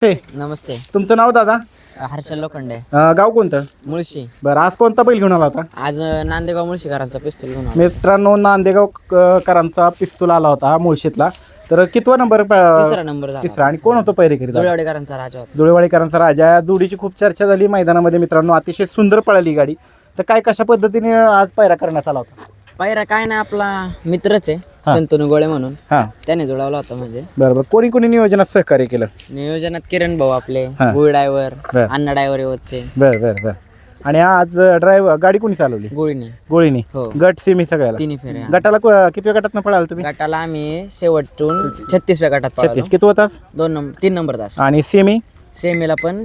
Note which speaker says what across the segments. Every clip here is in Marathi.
Speaker 1: ते
Speaker 2: नमस्ते.
Speaker 1: तुमचं नाव दादा?
Speaker 2: हर्षल लोखंडे,
Speaker 1: गाव कोणतं?
Speaker 2: मुळशी.
Speaker 1: बरं, आज कोणता बैल घेऊन आला होता?
Speaker 2: आज नांदेगाव मुळशीकरांचा पिस्तूल घेऊन आलो.
Speaker 1: मित्रांनो, नांदेगाव करांचा पिस्तूल आला होता हा मुळशीतला. तर कितवा नंबर?
Speaker 2: तिसरा नंबर झाला.
Speaker 1: तिसरा. आणि कोण होतो पहिरेकरी?
Speaker 2: जुळेवाडीकरांचा राजा होता.
Speaker 1: जुळेवाडीकरांचा राजा. या जोडीची खूप चर्चा झाली मैदानामध्ये मित्रांनो. अतिशय सुंदर पळाली गाडी. तर काय कशा पद्धतीने आज पायरा करण्यात आला होता?
Speaker 2: पायरा काय ना, आपला मित्रच आहे शंतनू गोळे म्हणून,
Speaker 1: हां,
Speaker 2: त्याने जुळवला होता. म्हणजे
Speaker 1: बरोबर. कोणी कोणी नियोजनात सहकार्य केलं?
Speaker 2: नियोजनात किरण भाऊ आपले,
Speaker 1: हां.
Speaker 2: गुळ ड्रायव्हर,
Speaker 1: बरं.
Speaker 2: अण्णा ड्रायव्हर येवतचे,
Speaker 1: बरं बरं बरं. आणि आज ड्रायव्हर गाडी कोणी चालवली?
Speaker 2: गोळीने.
Speaker 1: गोळीनी.
Speaker 2: हो,
Speaker 1: गट सेमी सगळ्याला?
Speaker 2: तिन्ही फेऱ्या.
Speaker 1: गटाला कितव्या गटात पळाला तुम्ही?
Speaker 2: गटाला आम्ही शेवटून 36व्या गटात
Speaker 1: 36.
Speaker 2: पळालो.
Speaker 1: किती तास?
Speaker 2: 3 नंबर तास.
Speaker 1: आणि सेमी?
Speaker 2: सेमीला पण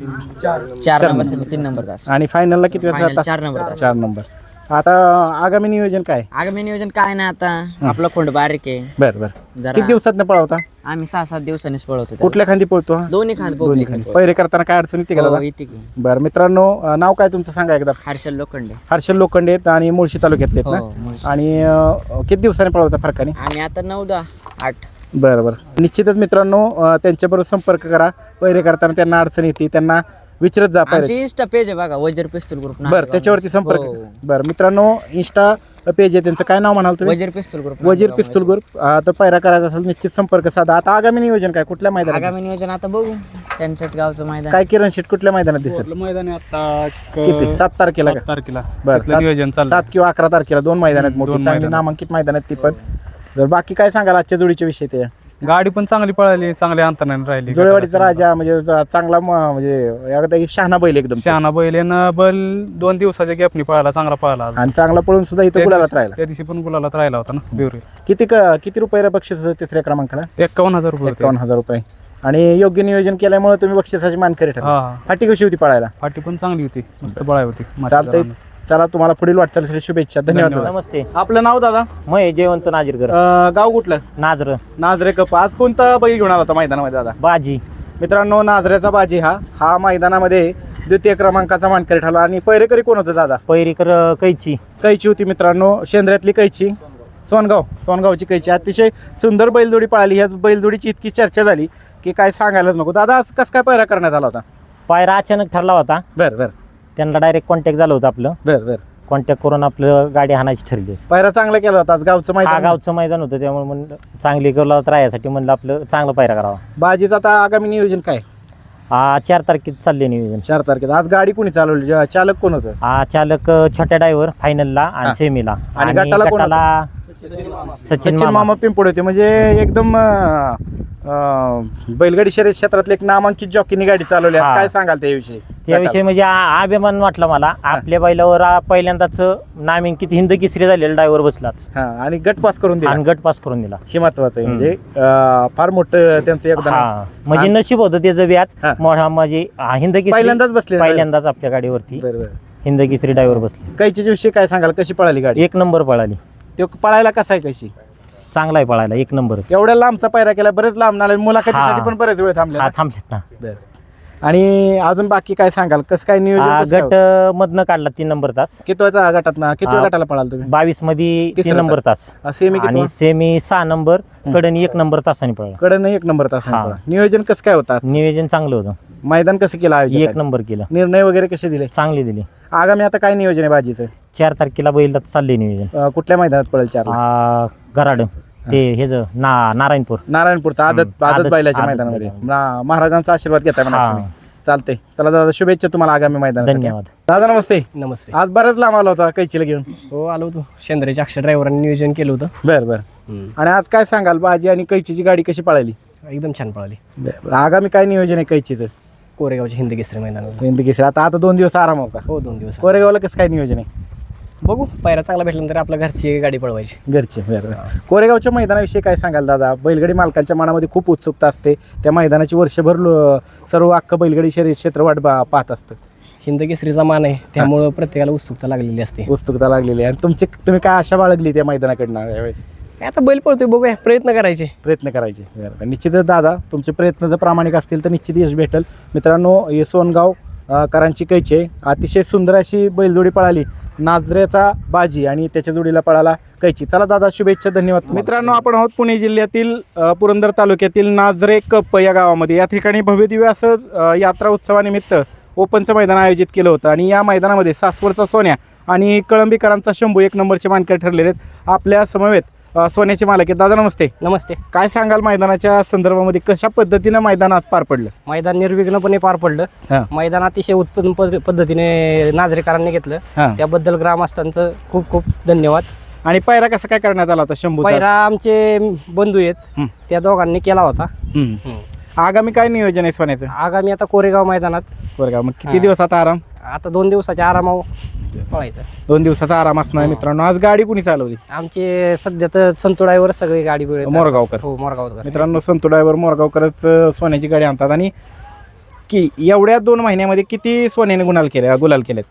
Speaker 2: 4 नंबर सेमी, 3 नंबर तास.
Speaker 1: आणि फायनलला किती
Speaker 2: फायनल
Speaker 1: तास?
Speaker 2: 4 नंबर तास.
Speaker 1: 4 नंबर. आता आगामी नियोजन काय?
Speaker 2: आगामी नियोजन काय ना, आता आपलं खोंड बारीक आहे
Speaker 1: बरं बरं.
Speaker 2: जरा.
Speaker 1: किती दिवसात पळवता?
Speaker 2: आम्ही 6-7 दिवसांनीच पळवतो त्याला.
Speaker 1: कुठल्या खांदी पळतो हा?
Speaker 2: दोन्ही खांद
Speaker 1: दोन्ही खांदी. पहिरे करताना काय अडचण येते का दादा?
Speaker 2: येते की.
Speaker 1: बरं मित्रांनो, नाव काय तुमचं सांगा एकदा?
Speaker 2: हर्षल लोखंडे.
Speaker 1: हर्षल लोखंडे आहेत आणि मुळशी तालुक्यातले आहेत
Speaker 2: हो,
Speaker 1: ना?
Speaker 2: मुळशी.
Speaker 1: आणि किती दिवसांनी पळवता फरकाने?
Speaker 2: आम्ही आता 9-10-8.
Speaker 1: बरं बरं. निश्चितच मित्रांनो, त्यांच्याबरोबर संपर्क करा. पहिरे करताना त्यांना अडचण येते, त्यांना विचारत जा पहिरे.
Speaker 2: आमची इंस्टा पेज आहे बघा, वजर पिस्तूल ग्रुप.
Speaker 1: बरं, त्याच्यावरती संपर्क.
Speaker 2: हो.
Speaker 1: बरं मित्रांनो, इंस्टा पेज आहे त्यांचं. काय नाव म्हणाल तुम्ही?
Speaker 2: वजीर पिस्तूल ग्रुप.
Speaker 1: वजीर पिस्तूल ग्रुप. तर पायरा करायचा असेल निश्चित संपर्क साधा. आता आगामी नियोजन काय? कुठल्या मैदानात?
Speaker 2: आगामी नियोजन आता बघू, त्यांच्याच गावचं मैदान.
Speaker 1: काय किरण शेट कुठल्या मैदानात दिसेल?
Speaker 3: मैदान आहे आता
Speaker 1: किती? 7 तारखेला का?
Speaker 3: 7 तारखेला.
Speaker 1: बरं,
Speaker 3: तिथलं नियोजन चाललं.
Speaker 1: 7 किंवा 11 तारखेला 2 मैदान आहेत मोठी,
Speaker 3: दोन
Speaker 1: चांगली
Speaker 3: मैदानं.
Speaker 1: नामांकित मैदान आहेत ती पण. तर बाकी काय सांगाल आजच्या जोडीच्या विषयी? ते
Speaker 3: गाडी पण चांगली पळाली, चांगल्या अंतराने राहिली.
Speaker 1: जुळेवाडीचा राजा म्हणजे चांगला म्हणजे एकदा शहाणा बैल एकदम.
Speaker 3: शहाणा बैलेनं बैल 2 दिवसाच्या गॅपनी पळाला, चांगला पळाला.
Speaker 1: आणि चांगला पळून सुद्धा इथं गुलालात राहिला.
Speaker 3: त्या दिवशी पण गुलालात राहिला होता ना बिवरी.
Speaker 1: किती रुपये बक्षीस होतं तिसऱ्या क्रमांकाला?
Speaker 3: 51,000 रुपये होते.
Speaker 1: 51,000 रुपये. आणि योग्य नियोजन केल्यामुळे तुम्ही बक्षिसाची मानकरी ठरला.
Speaker 3: हा,
Speaker 1: फाटी कशी होती पळायला?
Speaker 3: फाटी पण चांगली होती, मस्त पळाय होती.
Speaker 1: चालतंय. चला, तुम्हाला पुढील वाटचालीसाठी शुभेच्छा. धन्यवाद.
Speaker 4: नमस्ते.
Speaker 1: आपलं नाव दादा?
Speaker 4: महेश जयवंत नाजीरकर,
Speaker 1: गाव कुठलं?
Speaker 4: नाजर.
Speaker 1: नाझरे कप. आज कोणता बैल घेऊन आला होता मैदानामध्ये दादा?
Speaker 4: बाजी.
Speaker 1: मित्रांनो, नाझऱ्याचा बाजी हा मैदानामध्ये द्वितीय क्रमांकाचा मानकरी ठरला. आणि पहिरेकरी कोण होतं दादा?
Speaker 4: पैरीकर कैची.
Speaker 1: कैची होती मित्रांनो, शेंद्र्यातली कैची, सोनगावची कैची. अतिशय सुंदर बैलजोडी पळाली. ह्या बैलजोडीची इतकी चर्चा झाली की काय सांगायलाच नको. दादा, आज कसं काय पायरा करण्यात आला होता?
Speaker 4: पायरा अचानक ठरला होता,
Speaker 1: बरं बरं
Speaker 4: त्यांना डायरेक्ट कॉन्टॅक्ट झालं होतं आपलं.
Speaker 1: बरं बरं.
Speaker 4: कॉन्टॅक्ट करून आपलं गाडी हाणायची ठरली.
Speaker 1: पायरा चांगला केला होता आज. गावचं
Speaker 4: हा
Speaker 1: मैदान.
Speaker 4: गावचं मैदान होतं, त्यामुळे म्हणलं चांगली गोलात राहण्यासाठी म्हणलं आपलं चांगलं पायरा करावा.
Speaker 1: बाजीचं आता आगामी नियोजन काय?
Speaker 4: 4 तारखेत चालले नियोजन.
Speaker 1: 4 तारखेला. आज गाडी कोणी चालवली? चालक कोण होतं?
Speaker 4: चालक छोट्या ड्रायव्हर फायनलला आणि सेमीला.
Speaker 1: आणि गटाला कोण
Speaker 4: गटाला सचिन
Speaker 1: मामा पिंपोडे होते. म्हणजे एकदम बैलगाडी शर्यत क्षेत्रातले एक नामांकित जॉकीनी गाडी चालवली. आज
Speaker 4: हा.
Speaker 1: काय सांगाल त्याविषयी?
Speaker 4: त्याविषयी म्हणजे अभिमान वाटला मला. आपल्या बैलावर पहिल्यांदाच नामांकित हिंद केसरी झालेला ड्रायव्हर बसलाच
Speaker 1: हा. आणि गट पास करून दिला.
Speaker 4: आणि गट पास करून दिला.
Speaker 1: हे महत्वाचं आहे. म्हणजे फार मोठं त्यांचं योगदान आहे.
Speaker 4: हा, म्हणजे नशीब होतं त्याचं व्याज.
Speaker 1: हा.
Speaker 4: म्हणजे हिंद केसरी
Speaker 1: पहिल्यांदाच बसले.
Speaker 4: पहिल्यांदाच आपल्या गाडीवरती
Speaker 1: बरोबर.
Speaker 4: हिंद केसरी ड्रायव्हर बसले.
Speaker 1: कैच्या विषयी काय सांगाल? कशी पळाली गाडी?
Speaker 4: 1 नंबर पळाली.
Speaker 1: ते पळायला कसा आहे? कशी?
Speaker 4: चांगला आहे पळायला, 1 नंबर.
Speaker 1: एवढ्या लांबचा पायरा केला, बरेच लांब नाले, मुलाखतीसाठी
Speaker 4: हा.
Speaker 1: पण बरेच वेळ थांबले
Speaker 4: हा,
Speaker 1: ना?
Speaker 4: थांबलेत ना.
Speaker 1: बरं. आणि अजून बाकी काय सांगाल? कसं काय नियोजन? कसं काय
Speaker 4: गट
Speaker 1: होतं?
Speaker 4: मधनं काढला 3 नंबर तास.
Speaker 1: कितव्या गटात ना? कितव्या
Speaker 4: हा.
Speaker 1: गटाला पळाल तुम्ही?
Speaker 4: 22 मध्ये 3
Speaker 1: तिसरा
Speaker 4: नंबर तास.
Speaker 1: सेमी
Speaker 4: आणि
Speaker 1: किती?
Speaker 4: सेमी 6 नंबर, कडनी 1 नंबर तासाने पळला.
Speaker 1: कडे 1 नंबर तास.
Speaker 4: हा.
Speaker 1: नियोजन कसं काय होतं?
Speaker 4: नियोजन चांगलं होतं,
Speaker 1: मैदान कसं केलं?
Speaker 4: 1
Speaker 1: आयोजन
Speaker 4: नंबर केलं,
Speaker 1: निर्णय वगैरे कसे दिले?
Speaker 4: चांगली दिली.
Speaker 1: आगामी आता काय नियोजन आहे बाजीचं?
Speaker 4: 4 तारखेला बैल चालले नियोजन.
Speaker 1: कुठल्या मैदानात पळेल? 4
Speaker 4: गराड ते हेच नारायणपूर.
Speaker 1: नारायणपूरचा आदत
Speaker 4: आदत
Speaker 1: बैलाच्या
Speaker 4: आदत
Speaker 1: मैदानामध्ये.
Speaker 4: मैदान.
Speaker 1: महाराजांचा आशीर्वाद घेताय म्हणा
Speaker 4: हा.
Speaker 1: तुम्ही. चालतंय. चला दादा, शुभेच्छा तुम्हाला आगामी मैदानासाठी.
Speaker 4: धन्यवाद.
Speaker 1: दादा नमस्ते.
Speaker 5: नमस्ते.
Speaker 1: आज बराच लांब आला होता कैचीला घेऊन.
Speaker 5: हो, आलो होतो. शेंद्रेच्या अक्षर ड्रायव्हरांनी नियोजन केलं होतं.
Speaker 1: बरं बरं. आणि आज काय सांगाल? बाजी आणि कैचीची गाडी कशी पळाली?
Speaker 5: एकदम छान पळाली.
Speaker 1: बरं. आगामी काय नियोजन आहे कैचीचं?
Speaker 5: कोरेगावच्या हिंद केसरी मैदानावर.
Speaker 1: हिंद केसरी. आता 2 दिवस आराम हो का?
Speaker 5: हो, 2 दिवस.
Speaker 1: कोरेगावला कसं काय नियोजन आहे?
Speaker 5: बघू, पायरा चांगला भेटल्यानंतर आपल्या घरची गाडी पळवायची.
Speaker 1: घरचे. बरं. कोरेगावच्या मैदानाविषयी काय सांगाल दादा? बैलगाडी मालकांच्या मनामध्ये खूप उत्सुकता असते. त्या मैदानाची वर्षभर सर्व अख्खं बैलगाडी शर्यत क्षेत्र वाट पाहत असतं.
Speaker 5: हिंद केसरीचा मान आहे, त्यामुळं प्रत्येकाला उत्सुकता लागलेली असते.
Speaker 1: उत्सुकता लागलेली आहे. आणि तुम्ही काय आशा बाळगली त्या मैदानाकडनं यावेळेस?
Speaker 5: काय आता बैल पळतोय, बघूया, प्रयत्न करायचे.
Speaker 1: प्रयत्न करायचे. बरं. निश्चितच दादा, तुमचे प्रयत्न जर प्रामाणिक असतील तर निश्चित यश भेटेल. मित्रांनो, हे सोनगाव करांची कैची आहे. अतिशय सुंदर अशी बैलजोडी पळाली. नाझरेचा बाजी आणि त्याच्या जोडीला पळाला कैची. चला दादा, शुभेच्छा, धन्यवाद. मित्रांनो, आपण आहोत पुणे जिल्ह्यातील पुरंदर तालुक्यातील नाझरे कप या गावामध्ये. या ठिकाणी भव्यदिव्य असं यात्रा उत्सवानिमित्त ओपनचं मैदान आयोजित केलं होतं आणि या मैदानामध्ये सासवडचा सोन्या आणि कळंबीकरांचा शंभू 1 नंबरचे मानकरी ठरलेले आहेत. आपल्या समवेत सोन्याचे मालक आहेत. दादा नमस्ते.
Speaker 5: नमस्ते.
Speaker 1: काय सांगाल मैदानाच्या संदर्भामध्ये, कशा पद्धतीनं मैदान आज पार पडलं?
Speaker 5: मैदान निर्विघ्नपणे पार पडलं.
Speaker 1: हां.
Speaker 5: मैदान अतिशय उत्तम पद्धतीने नाझरेकरांनी घेतलं.
Speaker 1: हां.
Speaker 5: त्याबद्दल ग्रामस्थांचं खूप खूप धन्यवाद.
Speaker 1: आणि पायरा कसा काय करण्यात आला होता शंभूचा?
Speaker 5: पहिला आमचे बंधू आहेत त्या दोघांनी केला होता.
Speaker 1: आगामी काय नियोजन आहे सोन्याचं?
Speaker 5: आगामी आता कोरेगाव मैदानात
Speaker 1: बरं का, मग किती दिवसाचा आराम?
Speaker 5: आता 2 दिवसाच्या आरामावर पळायचं.
Speaker 1: 2 दिवसाचा आराम असणार. मित्रांनो, आज गाडी कुणी चालवली?
Speaker 5: आमचे सध्या तर संतू ड्रायव्हर सगळी गाडी
Speaker 1: मोरगावकर.
Speaker 5: हो, मोरगावकर.
Speaker 1: मित्रांनो, संतू ड्रायव्हर मोरगावकरच सोन्याची गाडी आणतात. आणि की एवढ्या 2 महिन्यामध्ये किती सोन्याने गुलाल केलेत?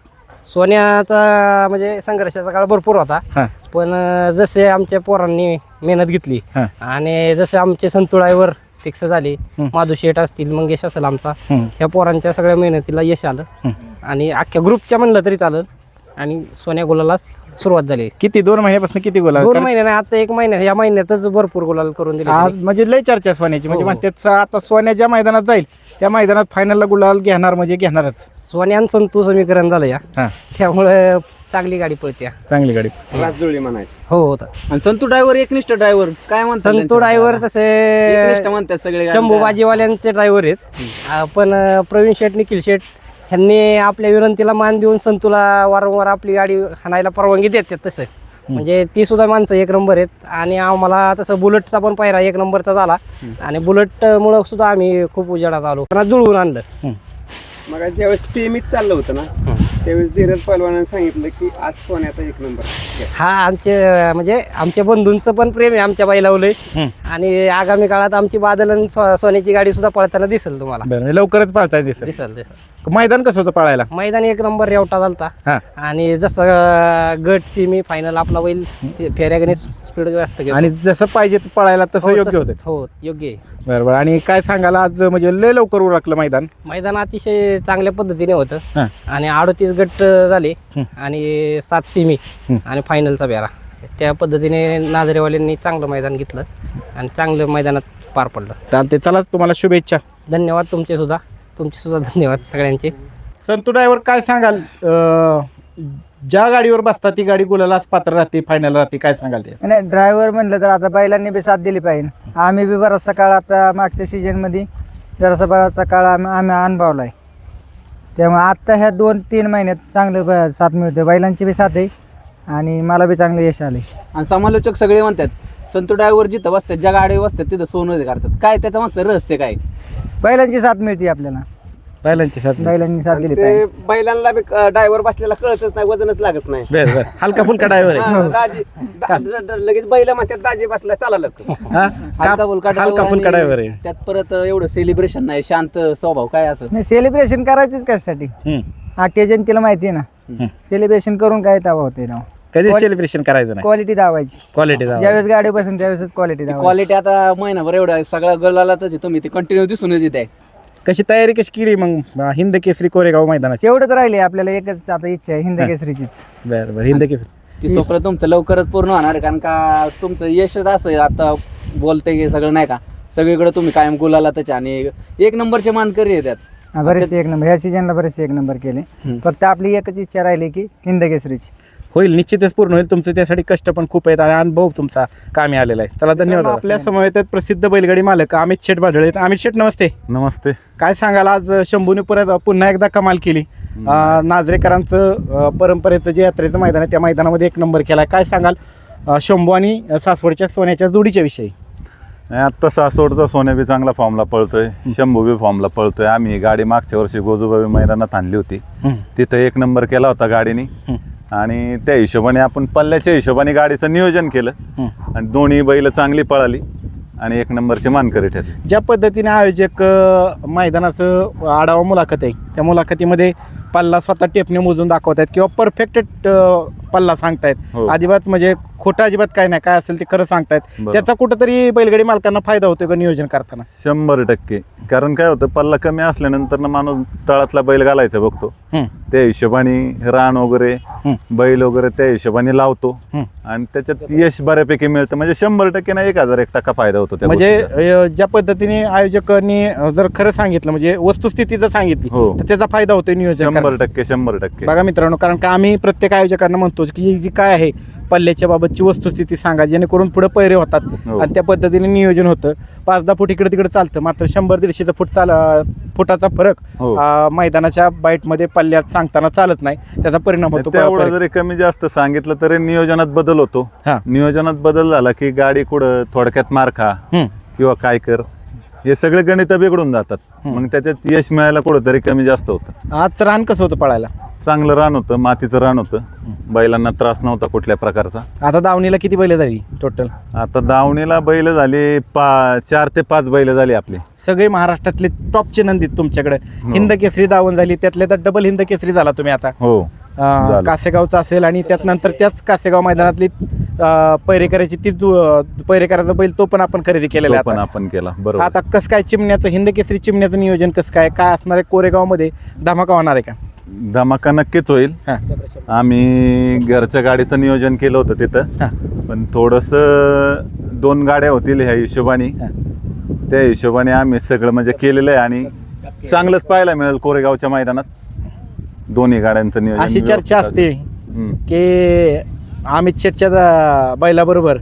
Speaker 5: सोन्याचा म्हणजे संघर्षाचा काळ भरपूर होता.
Speaker 1: हां.
Speaker 5: पण जसे आमच्या पोरांनी मेहनत घेतली
Speaker 1: हां.
Speaker 5: आणि जसे आमचे संतू ड्रायव्हर फिक्स झाले, माधू शेठ असतील, मंगेश असेल आमचा, ह्या पोरांच्या सगळ्या मेहनतीला यश आलं आणि अख्ख्या ग्रुपच्या म्हणलं तरी चालेल. आणि सोन्या गुलाला सुरुवात झाली.
Speaker 1: किती 2 महिन्यापासून किती गुलाल?
Speaker 5: 2 महिने नाही, आता 1 महिना, या महिन्यातच भरपूर गुलाल करून दिले.
Speaker 1: आज म्हणजे लय चर्चा सोन्याची. म्हणजे
Speaker 5: हो.
Speaker 1: म्हणतात आता सोन्या ज्या मैदानात जाईल त्या मैदानात फायनलला गुलाल घेणार म्हणजे घेणारच.
Speaker 5: सोन्या आणि संतू समीकरण झालं या,
Speaker 1: हां.
Speaker 5: त्यामुळे चांगली गाडी पळते.
Speaker 1: चांगली गाडी.
Speaker 6: राजजुळी म्हणायचं.
Speaker 5: हो, होता.
Speaker 6: आणि संतू ड्रायव्हर एकनिष्ठ ड्रायव्हर काय म्हणतात?
Speaker 5: संतू ड्रायव्हर तसे
Speaker 6: एकनिष्ठ म्हणतात सगळे.
Speaker 5: शंभू बाजीवाल्यांचे ड्रायव्हर आहेत. पण प्रवीण शेठ, निखिल शेठ ह्यांनी आपल्या विनंतीला मान देऊन संतूला वारंवार आपली गाडी हाणायला परवानगी देतात. तसं म्हणजे ती सुद्धा माणसं 1 नंबर आहेत. आणि आम्हाला तसं बुलेटचा पण पायरा 1 नंबरचा झाला आणि बुलेटमुळं सुद्धा आम्ही खूप उजेडात आलो, त्यांना जुळवून आणलं.
Speaker 6: मग ज्यावेळेस सेमीत चाललं होतं ना, त्यावेळेस धीरज पहलवानाने सांगितलं की आज सोन्याचा 1 नंबर.
Speaker 5: हा आमचे म्हणजे आमच्या बंधूंचं पण प्रेम आहे आमच्या बैलावलंय. आणि आगामी काळात आमची बादल आणि सोन्याची गाडी सुद्धा पळताना दिसेल तुम्हाला.
Speaker 1: बरं, लवकरच पाळताय दिसेल.
Speaker 5: दिसेल.
Speaker 1: मैदान कसं होतं पळायला?
Speaker 5: मैदान 1 नंबर रेवटा झालता.
Speaker 1: हां.
Speaker 5: आणि जसं गट सेमी फायनल आपला बैल फेऱ्यागणे स्पीड जास्त घेतो.
Speaker 1: आणि जसं पाहिजे पळायला तसं योग्य होतं.
Speaker 5: हो, योग्य आहे.
Speaker 1: बरोबर. आणि काय सांगाल, आज म्हणजे लय लवकर उरकलं मैदान?
Speaker 5: मैदान अतिशय चांगल्या पद्धतीने होतं.
Speaker 1: हां.
Speaker 5: आणि 38 गट झाले आणि 7 सेमी आणि फायनलचा बेरा. त्या पद्धतीने नाझरेवाल्यांनी चांगलं मैदान घेतलं आणि चांगलं मैदानात पार पडलं.
Speaker 1: चालते, चलाच, तुम्हाला शुभेच्छा.
Speaker 5: धन्यवाद तुमचे सुद्धा धन्यवाद सगळ्यांचे.
Speaker 1: संतू ड्रायव्हर, काय सांगाल, ज्या गाडीवर बसता ती गाडी गुलालाच पात्र राहते, फायनल राहते, काय सांगाल ते?
Speaker 2: नाही, ड्रायव्हर म्हणलं तर आता बैलांनी बी साथ दिली पाहिजे. आम्ही बी बराचसा काळ आता मागच्या सीजनमध्ये बराचसा काळ आम्ही अनुभवला आहे. त्यामुळे आत्ता ह्या 2-3 महिन्यात चांगलं साथ मिळते. बैलांची बी साथ आहे आणि मला बी चांगलं यश आले.
Speaker 6: आणि समालोचक सगळे म्हणतात संतू ड्रायव्हर जिथं बसतात, ज्या गाडीवर बसतात तिथं सोनं करतात. काय त्याचं मागचं रहस्य काय?
Speaker 2: बैलांची साथ मिळते आपल्याला.
Speaker 1: बैलांची साथ.
Speaker 2: बैलांनी साथ दिली पाहिजे.
Speaker 6: बैलांना ड्रायव्हर बसलेला कळतच नाही, वजनच लागत नाही.
Speaker 1: बरं बरं, हलका फुलका ड्रायव्हर आहे.
Speaker 6: लगेच बैल म्हणतात दाजी बसला चला
Speaker 1: हा?
Speaker 6: हलका फुलका
Speaker 1: हलका फुलका ड्रायव्हर आहे.
Speaker 6: त्यात परत एवढं सेलिब्रेशन नाही, शांत स्वभाव काय असं.
Speaker 2: नाही, सेलिब्रेशन करायचंच कशासाठी? अख्ख्या जनतेला माहिती आहे ना, सेलिब्रेशन करून काय दावा होते ना.
Speaker 1: कधी सेलिब्रेशन करायचं नाही,
Speaker 2: क्वालिटी दावायची.
Speaker 1: क्वालिटी
Speaker 2: ज्यावेळेस गाडी बसून त्यावेळेस क्वालिटी दावायची.
Speaker 6: क्वालिटी आता महिनाभर एवढं सगळ्या गलालाच तुम्ही ते कंटिन्यू दिसूनच येत आहे.
Speaker 1: कशी तयारी कशी केली मग हिंद केसरी कोरेगाव मैदानाची?
Speaker 2: एवढंच राहिले आपल्याला, एकच आता इच्छा आहे हिंद केसरीचीच.
Speaker 1: बरं बरं, हिंद केसरी
Speaker 6: ती स्वप्न तुमचं लवकरच पूर्ण होणार आहे, कारण का तुमचं यशच असं आहे. आता बोलते की सगळं नाही का, सगळीकडे तुम्ही कायम गुलाला त्याच्या आणि 1 नंबरचे मानकरी येतात.
Speaker 2: बरेचसे 1 नंबर, ह्या सीजनला बरेचसे 1 नंबर केले. फक्त आपली एकच इच्छा राहिली की हिंद केसरीची
Speaker 1: होईल, निश्चितच पूर्ण होईल. तुमचं त्यासाठी कष्ट पण खूप आहेत आणि अनुभव तुमचा कामी आलेला आहे. त्याला धन्यवाद. आपल्या समवेत आहेत प्रसिद्ध बैलगाडी मालक अमित शेठ भाडळे आहेत. अमित शेठ नमस्ते.
Speaker 7: नमस्ते.
Speaker 1: काय सांगाल, आज शंभूने पुन्हा एकदा कमाल केली. नाझरेकरांचं परंपरेचं जे यात्रेचं मैदान आहे त्या मैदानामध्ये 1 नंबर केला. काय सांगाल शंभू आणि सासवडच्या सोन्याच्या जोडीच्या विषयी?
Speaker 7: आत्ता सासवडचा सोन्या बी चांगला फॉर्मला पळतोय, शंभू बी फॉर्मला पळतोय. आम्ही गाडी मागच्या वर्षी गोजूबाई मैदानात आणली होती, तिथं 1 नंबर केला होता गाडीने. आणि त्या हिशोबाने आपण पल्ल्याच्या हिशोबाने गाडीचं नियोजन केलं आणि दोन्ही बैल चांगली पळाली आणि 1 नंबरचे मानकरी ठरले.
Speaker 1: ज्या पद्धतीने आयोजक मैदानाचं आढावा मुलाखत आहे, त्या मुलाखतीमध्ये पल्ला स्वतः टेपने मोजून दाखवत आहेत किंवा परफेक्ट पल्ला सांगतायत.
Speaker 7: हो.
Speaker 1: अजिबात म्हणजे खोटं अजिबात काय नाही, काय असेल ते खरं सांगतायत.
Speaker 7: बरोबर.
Speaker 1: त्याचा कुठंतरी बैलगाडी मालकांना फायदा होतोय का नियोजन करताना?
Speaker 7: 100%. कारण काय होतं, पल्ला कमी असल्यानंतर ना माणूस तळातला बैल घालायचा बघतो,
Speaker 1: हं.
Speaker 7: त्या हिशोबाने रान वगैरे बैल वगैरे त्या हिशोबाने लावतो आणि त्याच्यात यश बऱ्यापैकी मिळतं. म्हणजे 100% ना 1001% फायदा होतो त्या
Speaker 1: म्हणजे
Speaker 7: गोष्टीचा.
Speaker 1: ज्या पद्धतीने आयोजकांनी जर खरं सांगितलं, म्हणजे वस्तुस्थिती जर सांगितली
Speaker 7: हो.
Speaker 1: तर त्याचा फायदा होतोय नियोजन करताना.
Speaker 7: 100%.
Speaker 1: बघा मित्रांनो, कारण का आम्ही प्रत्येक आयोजकांना म्हणतो की जी काय आहे पल्ल्याच्या बाबतची वस्तुस्थिती सांगा, जेणेकरून पुढे पैरे होतात
Speaker 7: हो.
Speaker 1: आणि त्या पद्धतीने नियोजन होतं. 5-10 फूट इकडे तिकडे चालतं, मात्र 100-150 फुटाचा फरक
Speaker 7: हो.
Speaker 1: मैदानाच्या बाईटमध्ये पल्ल्यात सांगताना चालत नाही, त्याचा परिणाम होतो.
Speaker 7: तेवढं जरी कमी जास्त सांगितलं तरी नियोजनात बदल होतो.
Speaker 1: हा.
Speaker 7: नियोजनात बदल झाला की गाडी कुठं थोडक्यात मार खा
Speaker 1: हं.
Speaker 7: किंवा काय कर, हे सगळे गणित बिघडून जातात. मग त्याच्यात यश मिळायला कुठंतरी कमी जास्त होतं.
Speaker 1: आज रान कसं होतं पळायला?
Speaker 7: चांगलं रान होतं, मातीचं रान होतं, बैलांना त्रास नव्हता कुठल्या प्रकारचा.
Speaker 1: आता दावणीला किती बैल झाली टोटल?
Speaker 7: आता दावणीला बैल झाले 4 ते 5 बैल झाली आपली.
Speaker 1: सगळे महाराष्ट्रातले टॉपचे नंदी तुमच्याकडे.
Speaker 7: हो.
Speaker 1: हिंद केसरी दावण झाली, त्यातले तर डबल हिंद केसरी झाला तुम्ही आता.
Speaker 7: हो. झालं.
Speaker 1: कासेगावचा असेल आणि त्यात नंतर त्याच कासेगाव मैदानातली पैरेकराची पैरेकराचा बैल तो पण आपण खरेदी केलेला
Speaker 7: तो पण
Speaker 1: आहे.
Speaker 7: आपण केला. बरोबर.
Speaker 1: आता कसं काय चिमण्याचं हिंद केसरी चिमण्याचं नियोजन कसं काय असणार आहे? कोरेगावमध्ये धमाका होणार आहे का?
Speaker 7: धमाका नक्कीच होईल.
Speaker 1: हा.
Speaker 7: आम्ही घरच्या गाडीचं नियोजन केलं होतं तिथं,
Speaker 1: हा.
Speaker 7: पण थोडंसं 2 गाड्या होतील ह्या हिशोबाने, त्या हिशोबाने आम्ही सगळं म्हणजे केलेलं आहे आणि चांगलंच पाहायला मिळेल कोरेगावच्या मैदानात दोन्ही गाड्यांचं नियोजन.
Speaker 1: अशी चर्चा
Speaker 7: व्यवस्थित
Speaker 1: असते
Speaker 7: हम्म.
Speaker 1: की अमित शेटच्या बैलाबरोबर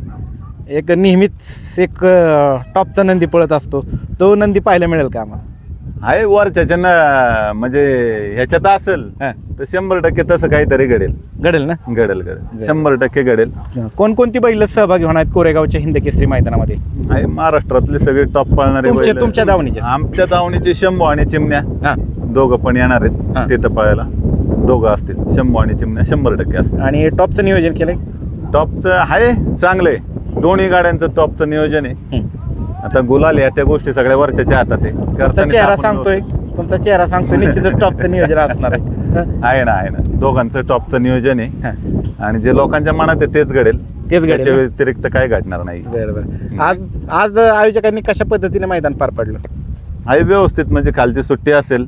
Speaker 1: एक नेहमीच एक टॉपचा नंदी पळत असतो, तो नंदी पाहायला मिळेल का आम्हाला?
Speaker 7: आहे वरच्या म्हणजे ह्याच्यात असेल
Speaker 1: हा.
Speaker 7: तर 100% तसं काहीतरी घडेल.
Speaker 1: घडेल ना?
Speaker 7: घडेल 100% घडेल.
Speaker 1: कोणकोणती बैल सहभागी होणार आहेत कोरेगावच्या हिंद केसरी मैदानामध्ये?
Speaker 7: आहे महाराष्ट्रातले सगळे टॉप पाळणारे बैल.
Speaker 1: तुमच्या दावणीचे?
Speaker 7: आमच्या दावणीचे शंभू आणि चिमण्या
Speaker 1: हा.
Speaker 7: दोघं पण येणार
Speaker 1: हा.
Speaker 7: आहेत तिथं पळायला. दोघं असतील, शंभू आणि चिमण्या 100% असतील.
Speaker 1: आणि टॉपचं नियोजन केलंय?
Speaker 7: टॉपचं आहे, चांगलं आहे. दोन्ही गाड्यांचं टॉपचं नियोजन आहे. आता गुलाल या त्या गोष्टी सगळ्या वरच्या हातात आहे.
Speaker 1: तुमचा
Speaker 7: करताना
Speaker 1: चेहरा
Speaker 7: आपण
Speaker 1: सांगतोय, तुमचा चेहरा सांगतोय निश्चितच टॉपचं नियोजन असणार आहे.
Speaker 7: आहे ना. दोघांचं टॉपचं नियोजन आहे आणि जे लोकांच्या मनात आहे तेच घडेल.
Speaker 1: तेच घडेल
Speaker 7: त्याच्या
Speaker 1: ना?
Speaker 7: व्यतिरिक्त काय घडणार नाही.
Speaker 1: बरं. आज आयोजकांनी कशा पद्धतीने मैदान पार पाडलं?
Speaker 7: आहे व्यवस्थित, म्हणजे खालची सुट्टी असेल,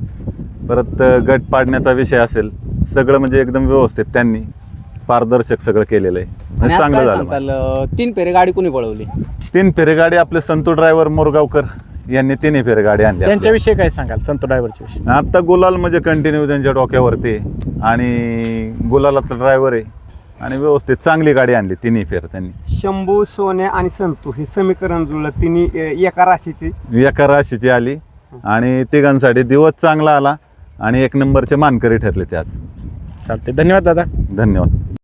Speaker 7: परत गट पाडण्याचा विषय असेल, सगळं म्हणजे एकदम व्यवस्थित त्यांनी पारदर्शक सगळं केलेलं आहे.
Speaker 6: आणि
Speaker 7: म्हणजे
Speaker 6: आज
Speaker 7: चांगलं
Speaker 6: काय
Speaker 7: झालं.
Speaker 6: सांगताल, 3 फेरे गाडी कोणी पळवली?
Speaker 7: 3 फेरे गाडी आपले संतू ड्रायव्हर मोरगावकर यांनी 3 फेरे गाडी आणली आपल्या.
Speaker 1: त्यांच्याविषयी काय सांगाल, संतो ड्रायव्हरच्या विषयी?
Speaker 7: आता गुलाल म्हणजे कंटिन्यू त्यांच्या डोक्यावरती आहे आणि गुलालातला ड्रायव्हर आहे आणि व्यवस्थित चांगली गाडी आणली 3 फेर त्यांनी.
Speaker 8: शंभू, सोने आणि संतू हे समीकरण जुळलं. तिन्ही एका राशीची
Speaker 7: एका राशीची आली आणि तिघांसाठी दिवस चांगला आला आणि 1 नंबरचे मानकरी ठरले ते आज.
Speaker 1: चालते. धन्यवाद दादा.
Speaker 7: धन्यवाद.